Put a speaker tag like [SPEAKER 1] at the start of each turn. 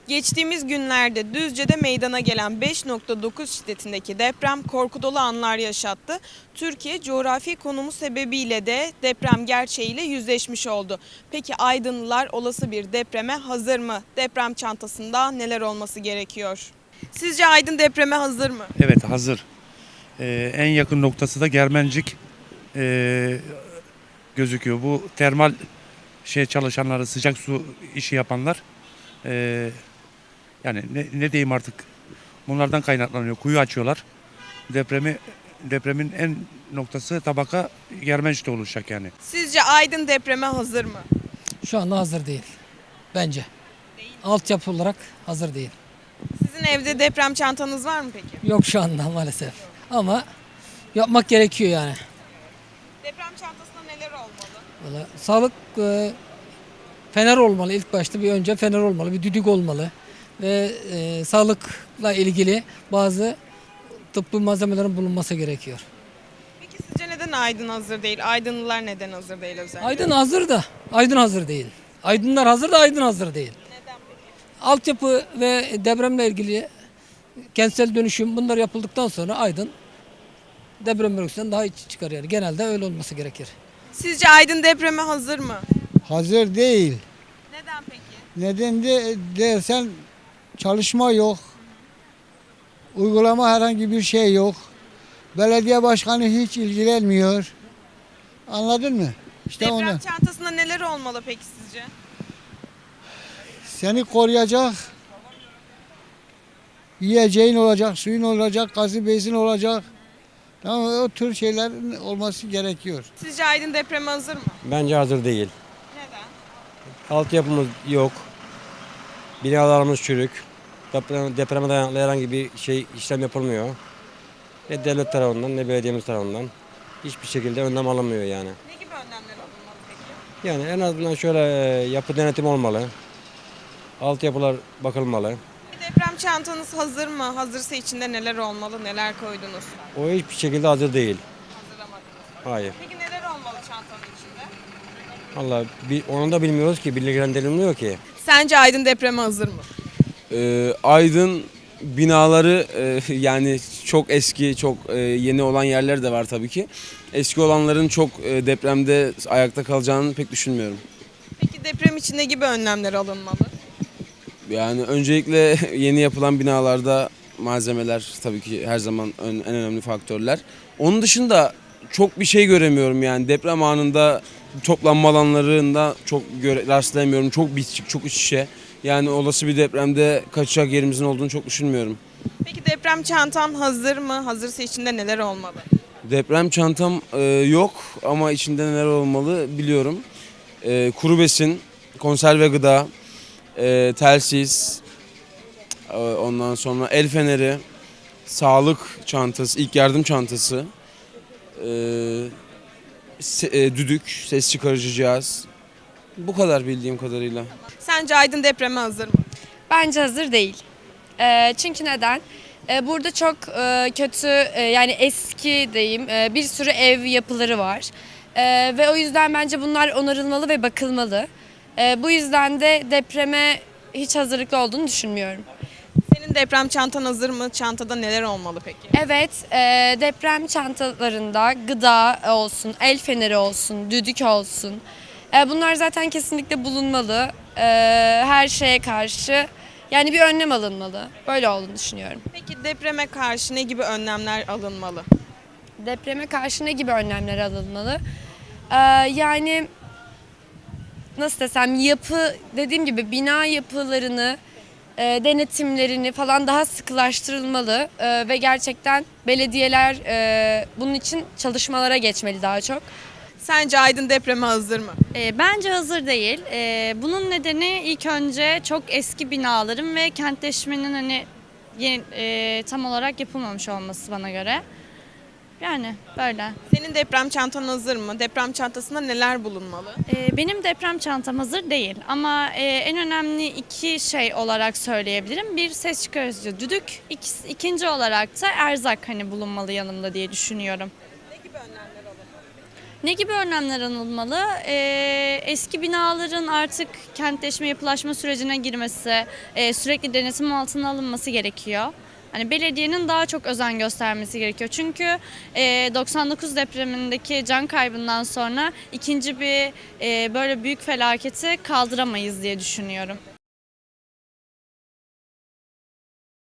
[SPEAKER 1] Geçtiğimiz günlerde Düzce'de meydana gelen 5.9 şiddetindeki deprem korku dolu anlar yaşattı. Türkiye coğrafi konumu sebebiyle de deprem gerçeğiyle yüzleşmiş oldu. Peki Aydınlılar olası bir depreme hazır mı? Deprem çantasında neler olması gerekiyor? Sizce Aydın depreme hazır mı?
[SPEAKER 2] Evet, hazır. En yakın noktası da Germencik gözüküyor. Bu termal çalışanları, sıcak su işi yapanlar yani ne diyeyim artık, bunlardan kaynaklanıyor. Kuyu açıyorlar. Depremin en noktası tabaka Germencik'te oluşacak yani.
[SPEAKER 1] Sizce Aydın depreme hazır mı?
[SPEAKER 3] Şu anda hazır değil. Bence. Altyapı olarak hazır değil.
[SPEAKER 1] Sizin evde deprem çantanız var mı peki?
[SPEAKER 3] Yok şu anda maalesef. Ama yapmak gerekiyor yani.
[SPEAKER 1] Deprem çantasında neler olmalı?
[SPEAKER 3] Vallahi sağlık fener olmalı ilk başta. Bir önce fener olmalı, bir düdük olmalı. Ve sağlıkla ilgili bazı tıbbi malzemelerin bulunması gerekiyor.
[SPEAKER 1] Peki sizce neden Aydın hazır değil? Aydınlılar neden hazır değil özellikle?
[SPEAKER 3] Aydın hazır da Aydın hazır değil. Aydınlar hazır da Aydın hazır değil.
[SPEAKER 1] Neden peki?
[SPEAKER 3] Altyapı ve depremle ilgili kentsel dönüşüm bunlar yapıldıktan sonra Aydın deprem bölgesinden daha iyi çıkar yani. Genelde öyle olması gerekir.
[SPEAKER 1] Sizce Aydın depreme hazır mı?
[SPEAKER 4] Hazır değil.
[SPEAKER 1] Neden peki?
[SPEAKER 4] Neden dersen çalışma yok. Uygulama herhangi bir şey yok. Belediye başkanı hiç ilgilenmiyor. Anladın mı? İşte
[SPEAKER 1] Deprem
[SPEAKER 4] ondan.
[SPEAKER 1] çantasında neler olmalı peki sizce?
[SPEAKER 4] Seni koruyacak yiyeceğin olacak, suyun olacak, gazı bezin olacak. Tamam, o tür şeylerin olması gerekiyor.
[SPEAKER 1] Sizce Aydın depreme hazır mı?
[SPEAKER 5] Bence hazır değil.
[SPEAKER 1] Neden?
[SPEAKER 5] Altyapımız yok. Binalarımız çürük. Depreme dayanıklı herhangi bir işlem yapılmıyor. Ne devlet tarafından ne belediyemiz tarafından. Hiçbir şekilde önlem alınmıyor yani.
[SPEAKER 1] Ne gibi önlemler alınmalı peki?
[SPEAKER 5] Yani en azından şöyle yapı denetimi olmalı. Altyapılar bakılmalı.
[SPEAKER 1] Deprem çantanız hazır mı? Hazırsa içinde neler olmalı? Neler koydunuz?
[SPEAKER 5] O hiçbir şekilde hazır değil.
[SPEAKER 1] Hazırlamadınız.
[SPEAKER 5] Hayır.
[SPEAKER 1] Peki neler olmalı çantanın içinde?
[SPEAKER 5] Vallahi onu da bilmiyoruz ki, bilgilendirilmiyor ki.
[SPEAKER 1] Sence Aydın depreme hazır mı?
[SPEAKER 6] Aydın binaları yani çok eski, çok yeni olan yerler de var tabii ki. Eski olanların çok depremde ayakta kalacağını pek düşünmüyorum.
[SPEAKER 1] Peki deprem için ne gibi önlemler alınmalı?
[SPEAKER 6] Yani öncelikle yeni yapılan binalarda malzemeler tabii ki her zaman en önemli faktörler. Onun dışında çok bir şey göremiyorum yani deprem anında toplanma alanlarında çok rastlayamıyorum. Çok bitişik, çok iç içe. Yani olası bir depremde kaçacak yerimizin olduğunu çok düşünmüyorum.
[SPEAKER 1] Peki deprem çantan hazır mı? Hazırsa içinde neler olmalı?
[SPEAKER 6] Deprem çantam yok ama içinde neler olmalı biliyorum. Kuru besin, konserve gıda, telsiz, ondan sonra el feneri, sağlık çantası, ilk yardım çantası, düdük, ses çıkarıcı cihaz. Bu kadar bildiğim kadarıyla.
[SPEAKER 1] Sence Aydın depreme hazır mı?
[SPEAKER 7] Bence hazır değil. Çünkü neden? Burada çok kötü yani eski diyeyim bir sürü ev yapıları var. Ve o yüzden bence bunlar onarılmalı ve bakılmalı. Bu yüzden de depreme hiç hazırlıklı olduğunu düşünmüyorum.
[SPEAKER 1] Senin deprem çantan hazır mı? Çantada neler olmalı peki?
[SPEAKER 7] Evet, deprem çantalarında gıda olsun, el feneri olsun, düdük olsun. Bunlar zaten kesinlikle bulunmalı. Her şeye karşı yani bir önlem alınmalı. Böyle olduğunu düşünüyorum.
[SPEAKER 1] Peki depreme karşı ne gibi önlemler alınmalı?
[SPEAKER 7] Depreme karşı ne gibi önlemler alınmalı? Yani nasıl desem dediğim gibi bina yapılarını, denetimlerini falan daha sıkılaştırılmalı ve gerçekten belediyeler bunun için çalışmalara geçmeli daha çok.
[SPEAKER 1] Sence Aydın depreme hazır mı?
[SPEAKER 8] Bence hazır değil. Bunun nedeni ilk önce çok eski binaların ve kentleşmenin tam olarak yapılmamış olması bana göre. Yani böyle.
[SPEAKER 1] Senin deprem çantan hazır mı? Deprem çantasında neler bulunmalı?
[SPEAKER 8] Benim deprem çantam hazır değil ama en önemli iki şey olarak söyleyebilirim. Bir, ses çıkarıcı düdük. İkinci olarak da erzak bulunmalı yanımda diye düşünüyorum.
[SPEAKER 1] Ne gibi önlemler alınmalı?
[SPEAKER 8] Ne gibi önlemler alınmalı? Eski binaların artık kentleşme, yapılaşma sürecine girmesi, sürekli denetim altına alınması gerekiyor. Hani belediyenin daha çok özen göstermesi gerekiyor. Çünkü 99 depremindeki can kaybından sonra ikinci bir böyle büyük felaketi kaldıramayız diye düşünüyorum.